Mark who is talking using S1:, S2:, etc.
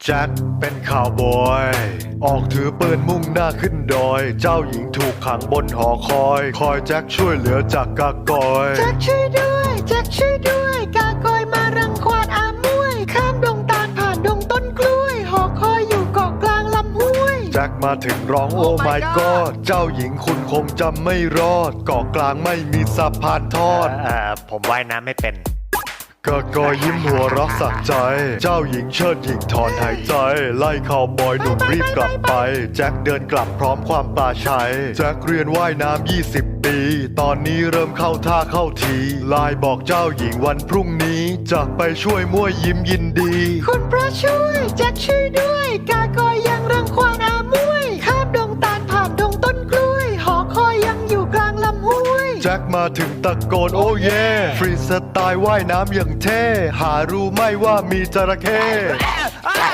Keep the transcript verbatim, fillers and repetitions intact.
S1: แจ็คเป็นข่าวบอยออกถือปืนมุ่งหน้าขึ้นดอยเจ้าหญิงถูกขังบนหอคอยคอยแจ็คช่วยเหลือจากกากอย
S2: แจ็คช่วยด้วยแจ็คช่วยด้วยกากอยมารังควานอามวยข้ามดงตาลผ่านดงต้นกล้วยหอคอยอยู่เกาะกลางลำห้วย
S1: แจ็คมาถึงร้องโอ้ my god เจ้าหญิงคุณคงจำไม่รอดเกาะกลางไม่มีสะพานทอด
S3: เอ่อผมว่ายน้ำไม่เป็น
S1: กะกอยิ้มหัวเรักสักใจเจ้าหญิงเชิดหญิงถอนหายใจ ไล่ข่าวบอยหนุ่มรีบกลับไปแจ็คเดินกลับพร้อมความปลาชัยแจ็คเรียนว่ายน้ำยี่สิบปีตอนนี้เริ่มเข้าท่าเข้าทีไลน์บอกเจ้าหญิงวันพรุ่งนี้จะไปช่วยมั่วยิ้มยินดี
S2: คุณพระช่วยแจ็คช่วยด้วยกากอยยังรังควานอามวยข้ามดงตาลผ่านดงต้นกล้วยหอคอยยังอยู่กลางลำห้วย
S1: แจ็คมาถึงตะโกนโอ้เย่ฟรีสไตล์ว่ายน้ำอย่างเท่หารู้ไหม่ว่ามีจระเข้